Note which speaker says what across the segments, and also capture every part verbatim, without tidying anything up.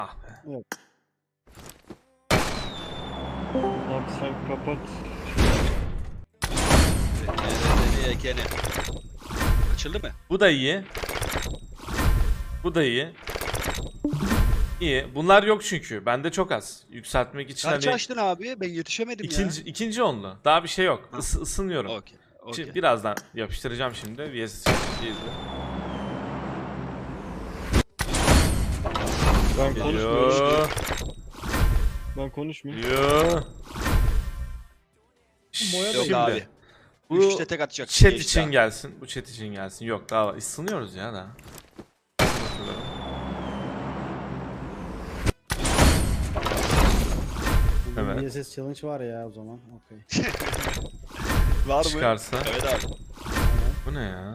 Speaker 1: Ah be.
Speaker 2: Evet.
Speaker 3: Abi sen kapat.
Speaker 4: Nereye gene? Açıldı mı?
Speaker 1: Bu da iyi. Bu da iyi. İyi. Bunlar yok çünkü. Bende çok az. Yükseltmek için
Speaker 4: Kaç
Speaker 1: hani
Speaker 4: açtın abi? Ben yetişemedim
Speaker 1: ikinci ikinci onlu. Daha bir şey yok.
Speaker 4: Ha.
Speaker 1: Is, ısınıyorum.
Speaker 4: ya. Okey.
Speaker 1: Şimdi
Speaker 4: Okey.
Speaker 1: birazdan yapıştıracağım şimdi. V S izle.
Speaker 3: Ben konuşmuyorum.
Speaker 1: Geliyor.
Speaker 3: Ben konuşmuyorum.
Speaker 1: Geliyor.
Speaker 2: Boya da
Speaker 4: Yok
Speaker 1: Şimdi,
Speaker 4: abi.
Speaker 1: Bu
Speaker 4: Üçte tek atacak.
Speaker 1: chat
Speaker 4: Geçti
Speaker 1: için
Speaker 4: abi.
Speaker 1: gelsin. Bu chat için gelsin. Yok daha var. Isınıyoruz ya daha. Evet.
Speaker 2: V S S challenge var ya o zaman. Okey.
Speaker 4: Var mı?
Speaker 1: Çıkarsa.
Speaker 4: Evet abi.
Speaker 1: Bu ne ya?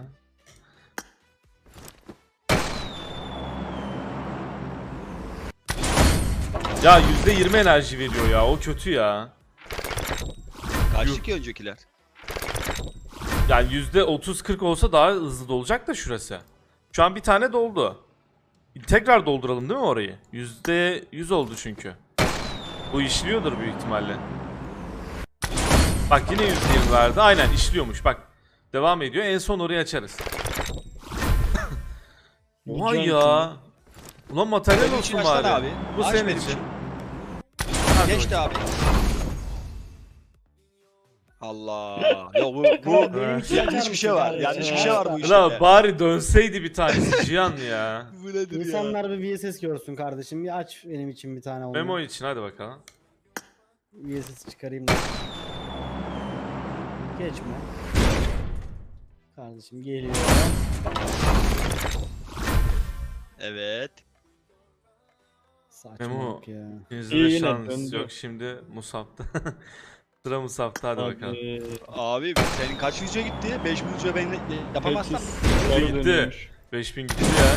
Speaker 1: Ya yüzde yirmi enerji veriyor ya. O kötü ya.
Speaker 4: Kaçtı ki öncekiler?
Speaker 1: Yani yüzde otuz kırk olsa daha hızlı dolacak da şurası. Şu an bir tane doldu. Tekrar dolduralım değil mi orayı? yüzde yüz oldu çünkü. Bu işliyordur büyük ihtimalle. Bak yine yüzde yirmi verdi. Aynen işliyormuş bak. Devam ediyor. En son orayı açarız. Oha
Speaker 3: Can
Speaker 1: ya. Ulan materyal
Speaker 4: Benim için
Speaker 1: olsun
Speaker 4: açsana
Speaker 1: bari.
Speaker 4: abi.
Speaker 1: Bu
Speaker 4: Aç
Speaker 1: senin
Speaker 4: benim
Speaker 1: için.
Speaker 4: için.
Speaker 1: Hadi
Speaker 4: Geçti
Speaker 1: bakayım.
Speaker 4: abi. Allah. Ya bu bu
Speaker 1: Evet.
Speaker 4: yanlış bir şey var. Yanlış bir şey var bu işte.
Speaker 1: Ulan bari dönseydi bir tanesi Cihan ya.
Speaker 4: Bu nedir ya?
Speaker 2: İnsanlar bir V S S görsün kardeşim. Bir aç benim için bir tane onu.
Speaker 1: Memo için hadi bakalım.
Speaker 2: V S S çıkarayım da. Geçme. Kardeşim geliyor.
Speaker 4: Evet.
Speaker 2: Saçmalık ya.
Speaker 1: İkinizde
Speaker 3: İyi
Speaker 1: de
Speaker 3: yine
Speaker 1: şans
Speaker 3: döndü.
Speaker 1: yok şimdi Musab'da. Sıra Musab'da hadi bakalım.
Speaker 3: Abi.
Speaker 4: Abi senin kaç yüze gitti? beş bin yüze ben yapamazsam.
Speaker 3: Doğru
Speaker 1: Gitti.
Speaker 3: dönüyormuş.
Speaker 1: beş bin gitti ya.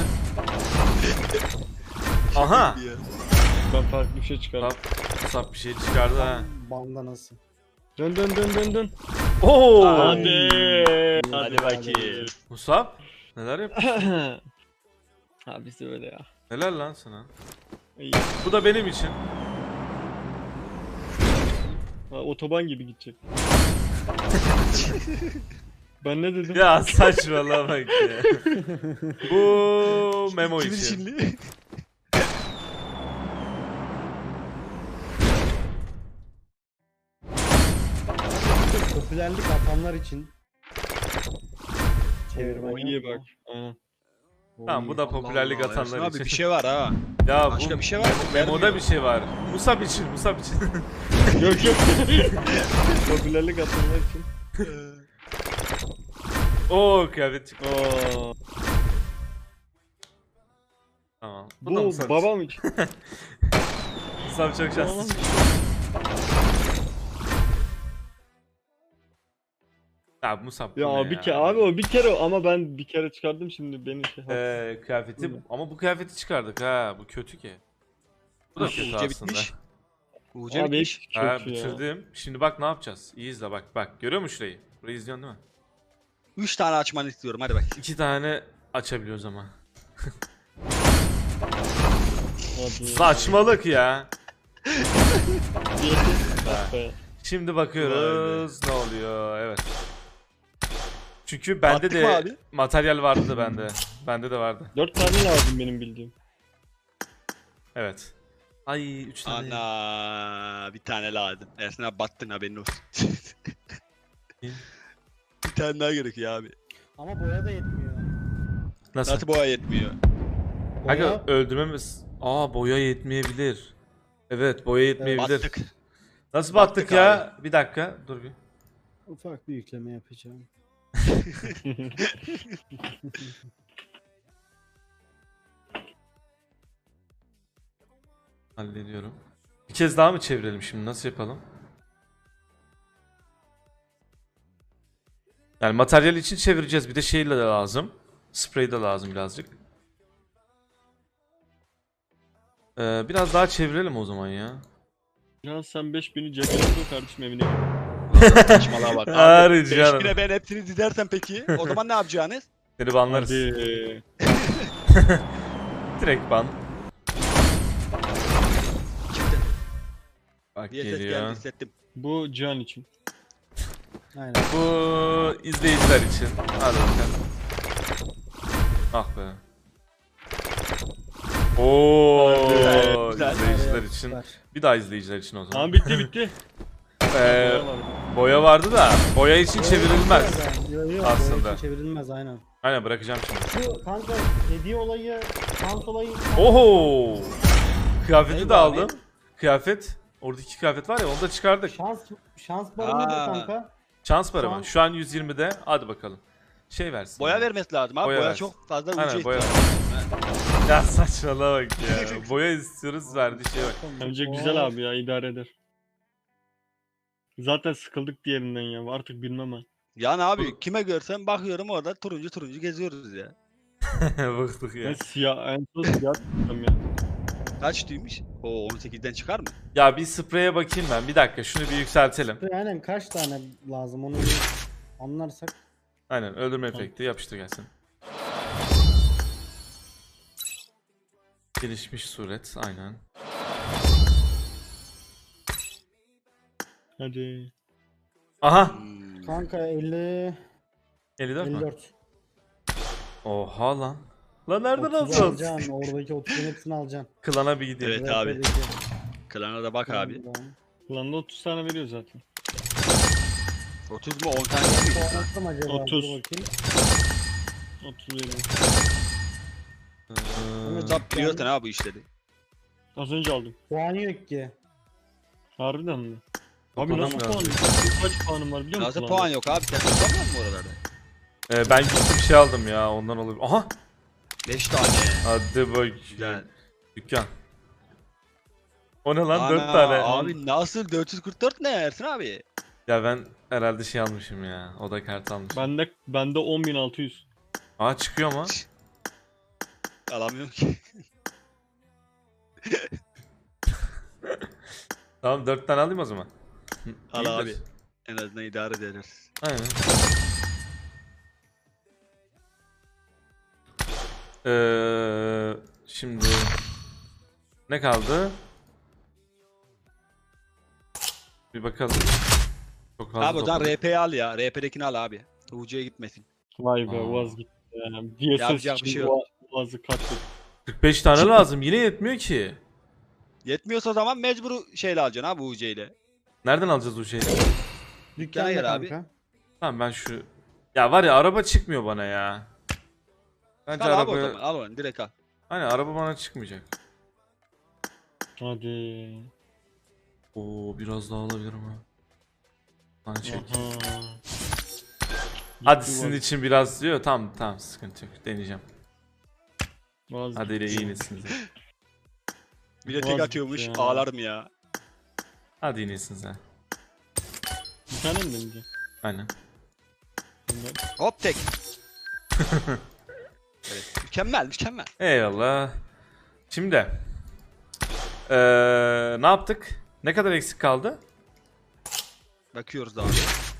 Speaker 1: Aha!
Speaker 3: Ben farklı bir şey çıkardım.
Speaker 1: Musab, Musab bir şey çıkardı ha.
Speaker 2: Bandanası.
Speaker 3: Dön dön dön dön dön.
Speaker 1: Oo!
Speaker 3: Hadi.
Speaker 4: Hadi bakayım.
Speaker 1: Musab neler yapıyorsun?
Speaker 3: Abi öyle ya.
Speaker 1: Neler lan sana?
Speaker 3: İyi.
Speaker 1: Bu da benim için.
Speaker 3: Ha, otoban gibi gidecek. Ben ne dedim?
Speaker 1: Ya saçmalama bak ya. Bu Memo
Speaker 4: Kimin
Speaker 1: için.
Speaker 4: içinli?
Speaker 2: Popülerlik atanlar için. Çevirmen
Speaker 3: O
Speaker 2: yok
Speaker 3: iyi
Speaker 2: mu?
Speaker 3: bak. Aynen.
Speaker 2: O
Speaker 1: Tamam
Speaker 2: iyi.
Speaker 1: bu da
Speaker 4: Allah
Speaker 1: popülerlik
Speaker 4: Allah,
Speaker 1: atanlar
Speaker 4: Ersin
Speaker 1: için.
Speaker 4: Abi bir şey var ha.
Speaker 1: Ya
Speaker 4: Başka
Speaker 1: bu
Speaker 4: bir şey var mı?
Speaker 1: Memo'da
Speaker 4: Vermiyor.
Speaker 1: bir şey var. Musab için, Musab için.
Speaker 3: Yok yok. Popülerlik atanlar için.
Speaker 1: Oo kıyafet çıktı.
Speaker 3: Oo.
Speaker 1: Tamam. Bu, da
Speaker 3: Bu
Speaker 1: Musab için.
Speaker 3: babam için.
Speaker 1: Musab çok şanslı. Ya Musab bu
Speaker 3: Ya
Speaker 1: ne
Speaker 3: abi bir kere abi o bir kere ama ben bir kere çıkardım şimdi beni şey.
Speaker 1: Ee, kıyafeti
Speaker 3: Bu-
Speaker 1: ama bu kıyafeti çıkardık ha. Bu kötü ki. Bu da kötü
Speaker 4: Uğurca
Speaker 1: aslında.
Speaker 4: bitmiş. Uğurca
Speaker 3: Abi
Speaker 4: bitmiş.
Speaker 3: hiç
Speaker 1: Ha
Speaker 3: kötü ya.
Speaker 1: bitirdim. Şimdi bak ne yapacağız? İyi izle bak bak. Görüyor musun şurayı? Burayı izliyorsun değil mi?
Speaker 4: Üç tane açmanı istiyorum hadi bak.
Speaker 1: İki tane açabiliyoruz ama.
Speaker 3: Abi.
Speaker 1: Saçmalık ya.
Speaker 3: Bak be.
Speaker 1: Şimdi bakıyoruz ne oluyor. Evet. Çünkü bende
Speaker 4: Attık mı
Speaker 1: de
Speaker 4: abi?
Speaker 1: materyal vardı da bende. Bende de vardı.
Speaker 3: Dört tane lazım benim bildiğim.
Speaker 1: Evet. Ay üç tane.
Speaker 4: Ana bir tane lazım. Ersin abi battın haberin olsun.
Speaker 1: İyi.
Speaker 4: Bir tane daha gerekiyor abi.
Speaker 2: Ama boya da yetmiyor.
Speaker 1: Nasıl?
Speaker 4: Nasıl boğa yetmiyor?
Speaker 1: Kanka
Speaker 2: Boya
Speaker 1: öldürmemiz. Aa boya yetmeyebilir. Evet boya yetmeyebilir.
Speaker 4: Battık.
Speaker 1: Nasıl battık,
Speaker 4: Battık
Speaker 1: ya? Bir dakika dur bir.
Speaker 2: ufak bir yükleme yapacağım.
Speaker 1: Hallediyorum. Bir kez daha mı çevirelim şimdi? Nasıl yapalım? Yani materyal için çevireceğiz. Bir de şeyle de lazım. Sprey de lazım birazcık. Ee, biraz daha çevirelim o zaman ya.
Speaker 3: Ya sen beş bini cebine koy kardeşim evine.
Speaker 4: Saçmalığa bak.
Speaker 1: Hayır
Speaker 4: Abi
Speaker 1: canım.
Speaker 4: beş bine ben hepsini dizersem peki o zaman ne yapacaksınız?
Speaker 1: Seni banlarız.
Speaker 3: Hadi.
Speaker 1: Direkt ban. Bak
Speaker 4: Bir ses geldi
Speaker 1: geliyor.
Speaker 4: hissettim.
Speaker 3: Bu Cihan için.
Speaker 2: Aynen.
Speaker 1: Bu izleyiciler için. Hadi bakalım. Ah be. Oo,
Speaker 4: Güzel, güzel.
Speaker 1: izleyiciler için.
Speaker 2: Süper.
Speaker 1: Bir daha izleyiciler için o zaman.
Speaker 3: Tamam bitti bitti.
Speaker 1: Ee, boya vardı da boya için çevrilmez.
Speaker 2: Yok yok.
Speaker 1: Aslında.
Speaker 2: Aslında. Çevrilmez aynen.
Speaker 1: Aynen bırakacağım şimdi.
Speaker 2: Şu kanka hediye olayı, şans olayı.
Speaker 1: Oho! Kıyafeti
Speaker 4: Eyvah
Speaker 1: de
Speaker 4: abi.
Speaker 1: aldım. Kıyafet. Oradaki kıyafet var ya onu da çıkardık.
Speaker 2: Şans şans barı nedir
Speaker 4: Aa.
Speaker 2: kanka?
Speaker 1: Şans para mı?
Speaker 2: Şans.
Speaker 1: Şu an yüz yirmide. Hadi bakalım. Şey versin.
Speaker 4: Boya
Speaker 1: ya.
Speaker 4: vermesi lazım abi.
Speaker 1: Boya
Speaker 4: Boya,
Speaker 1: versin.
Speaker 4: çok fazla ucu
Speaker 1: Aynen, boya
Speaker 4: ihtiyacı.
Speaker 1: Ya saçmalama bak ya. Boya istiyoruz verdiği şey bak.
Speaker 3: Bence
Speaker 2: Oo.
Speaker 3: güzel abi ya idare eder. Zaten sıkıldık diğerinden ya. Artık bilmem ben.
Speaker 4: Yani abi kime görsem bakıyorum orada turuncu turuncu geziyoruz ya.
Speaker 1: Bıktık ya.
Speaker 3: Ben siyah, en son siyah tuttum ya.
Speaker 4: Kaç tüymüş? O on sekizden çıkar mı?
Speaker 1: Ya bir spreye bakayım ben. Bir dakika şunu bir yükseltelim.
Speaker 2: Aynen kaç tane lazım onu bir anlarsak.
Speaker 1: Aynen öldürme efekti yapıştır gelsin. Gelişmiş suret aynen.
Speaker 3: Hadi.
Speaker 1: Aha!
Speaker 4: Hmm.
Speaker 2: Kanka elli
Speaker 1: elli dört mü?
Speaker 2: elli dört.
Speaker 1: Oha lan. Lan nereden
Speaker 2: otuz
Speaker 1: alacağız?
Speaker 2: alacaksın. Oradaki otuzun hepsini alacaksın.
Speaker 1: Klana bir gideyim.
Speaker 4: Evet abi.
Speaker 2: R P'deki.
Speaker 4: Klana da bak abi.
Speaker 3: Kulağında otuz tane veriyor zaten.
Speaker 4: otuz mu on tane mi?
Speaker 2: Puan attım acaba?
Speaker 3: otuz.
Speaker 2: Dur bakayım.
Speaker 3: otuz veriyor.
Speaker 1: Ee,
Speaker 4: Zap biliyorsun ha bu işleri.
Speaker 3: Az önce aldım.
Speaker 2: Puanı yok ki.
Speaker 3: Harbiden mi? Abi
Speaker 1: Toplamam
Speaker 3: nasıl
Speaker 1: lazım.
Speaker 3: puan? Kaç puanım var biliyor musun?
Speaker 4: Nasıl
Speaker 3: lan?
Speaker 4: puan yok abi? Sen toplamıyor musun oralarda?
Speaker 1: Ee, ben gittim bir şey aldım ya ondan olabilir. Aha!
Speaker 4: beş tane.
Speaker 1: Hadi bak.
Speaker 4: Güzel.
Speaker 1: Dükkan. O ne lan?
Speaker 4: Ana,
Speaker 1: dört tane.
Speaker 4: Abi nasıl dört yüz kırk dört ne Ersin abi?
Speaker 1: Ya ben herhalde şey almışım ya. Oda kartı almışım.
Speaker 3: Bende, bende on bin altı yüz.
Speaker 1: Aa çıkıyor mu?
Speaker 4: Alamıyorum ki.
Speaker 1: Tamam dört tane alayım o zaman.
Speaker 4: Al
Speaker 1: İyidir.
Speaker 4: abi. En azından idare ederiz.
Speaker 1: Aynen. Ee, şimdi ne kaldı? Bir bakalım. Çok fazla
Speaker 4: Abi o zaman
Speaker 1: topladık.
Speaker 4: R P'yi al ya. R P'dekini al abi. U C'ye gitmesin.
Speaker 3: Vay be
Speaker 1: Aa.
Speaker 3: vazgeçtim. Yani D S S
Speaker 4: Yapacak bir
Speaker 3: için
Speaker 4: şey
Speaker 3: bu
Speaker 4: yok.
Speaker 3: Boğazı katlet.
Speaker 1: kırk beş tane lazım. Yine yetmiyor ki.
Speaker 4: Yetmiyorsa o zaman mecbur şeyle alacaksın abi U C ile.
Speaker 1: Nereden alacağız o şeyi?
Speaker 2: Dükkana
Speaker 4: yer
Speaker 2: gel
Speaker 4: abi.
Speaker 2: kanka.
Speaker 1: Tamam ben şu... Ya var ya araba çıkmıyor bana ya. Bence
Speaker 4: Al abi o
Speaker 1: araba...
Speaker 4: zaman. Al onu direkt al.
Speaker 1: Aynen araba bana çıkmayacak.
Speaker 3: Hadi.
Speaker 1: Oo biraz daha alabilirim ha. Hani çek.
Speaker 3: Aha.
Speaker 1: Hadi
Speaker 3: Gitti
Speaker 1: sizin
Speaker 3: vaz-
Speaker 1: için biraz diyor. Tamam tamam sıkıntı yok. Deneyeceğim.
Speaker 3: vazgeçtim.
Speaker 1: Hadi ile iyisiniz.
Speaker 4: Bir de tek
Speaker 3: Vazgeç
Speaker 4: atıyormuş.
Speaker 3: ya.
Speaker 4: Ağlarım ya.
Speaker 1: Hadi iyisiniz ha.
Speaker 3: Bir tane mi deneyeceğim?
Speaker 1: Aynen.
Speaker 3: Bunlar.
Speaker 4: Hop tek. Evet. Mükemmel mükemmel.
Speaker 1: Eyvallah. Şimdi. Ee, ne yaptık? Ne kadar eksik kaldı?
Speaker 4: Bakıyoruz abi.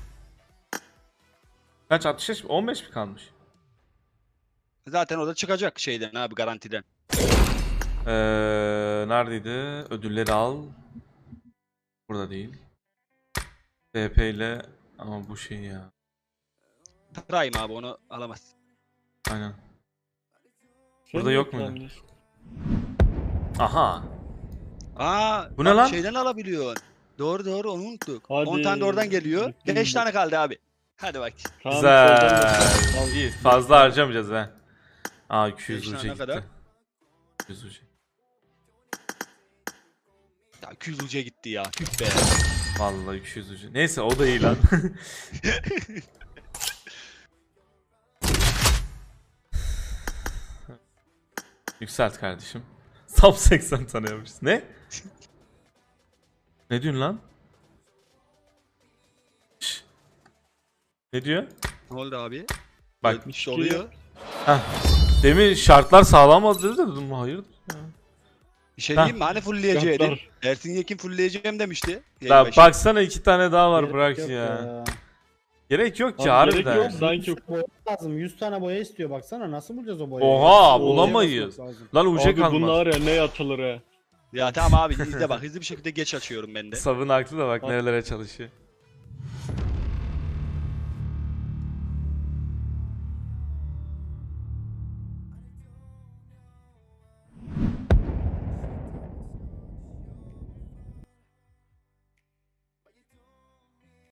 Speaker 1: Kaç? altmış beş mi? on beş mi kalmış?
Speaker 4: Zaten o da çıkacak şeyden abi garantiden.
Speaker 1: Ee, neredeydi? Ödülleri al. Burada değil. B P ile ama bu şey ya.
Speaker 4: Prime abi onu alamaz.
Speaker 1: Aynen.
Speaker 3: Sen
Speaker 1: Burada
Speaker 3: de
Speaker 1: yok mu?
Speaker 3: kullanıyorsun.
Speaker 1: Aha.
Speaker 4: Aa,
Speaker 1: Bu ne
Speaker 4: bak
Speaker 1: lan?
Speaker 4: Şeyden alabiliyorsun. Doğru doğru onu unuttuk.
Speaker 3: Hadi.
Speaker 4: on tane de oradan geliyor.
Speaker 3: Bitti
Speaker 4: beş
Speaker 3: mi?
Speaker 4: tane kaldı abi. Hadi bak.
Speaker 3: Tamam,
Speaker 1: Güzel.
Speaker 3: soldan da-
Speaker 1: İyi. Fazla harcamayacağız ha. Aa iki yüz
Speaker 4: Beş tane
Speaker 1: uca gitti.
Speaker 4: kadar?
Speaker 1: iki yüz uca.
Speaker 4: Ya iki yüz ucuya gitti ya. Tüh be.
Speaker 1: Vallahi iki yüz uca. Neyse o da iyi lan. Yükselt kardeşim. Tam seksen tane yapmışız. Ne? Ne diyorsun lan? Şş. Ne diyor?
Speaker 4: Ne oldu abi?
Speaker 1: Bak
Speaker 4: Yetmiş oluyor.
Speaker 1: demin şartlar sağlamadı dedi de dedim hayırdır ya.
Speaker 4: Bir şey
Speaker 1: Ha.
Speaker 4: diyeyim mi? Hani fullleyeceğiydi?
Speaker 3: Şartlar.
Speaker 4: Ersin Yekin fullleyeceğim demişti. Yayın
Speaker 1: Ya
Speaker 4: başı.
Speaker 1: baksana iki tane daha var
Speaker 2: Gerek
Speaker 1: bırak
Speaker 2: yok
Speaker 1: ya. Gerek yok ki
Speaker 3: Abi gerek
Speaker 1: harbiden.
Speaker 3: yok. Sanki
Speaker 2: Boya lazım. yüz tane boya istiyor baksana. Nasıl bulacağız o boyayı?
Speaker 1: Oha,
Speaker 2: Boya
Speaker 1: bulamayız.
Speaker 2: yapmak lazım.
Speaker 1: Lan uca
Speaker 3: Abi
Speaker 1: kalmaz.
Speaker 3: bunlar ya ne atılır he.
Speaker 4: Ya tamam abi izle bak hızlı bir şekilde geç açıyorum ben de.
Speaker 1: Savun haklı da bak nerelere çalışıyor.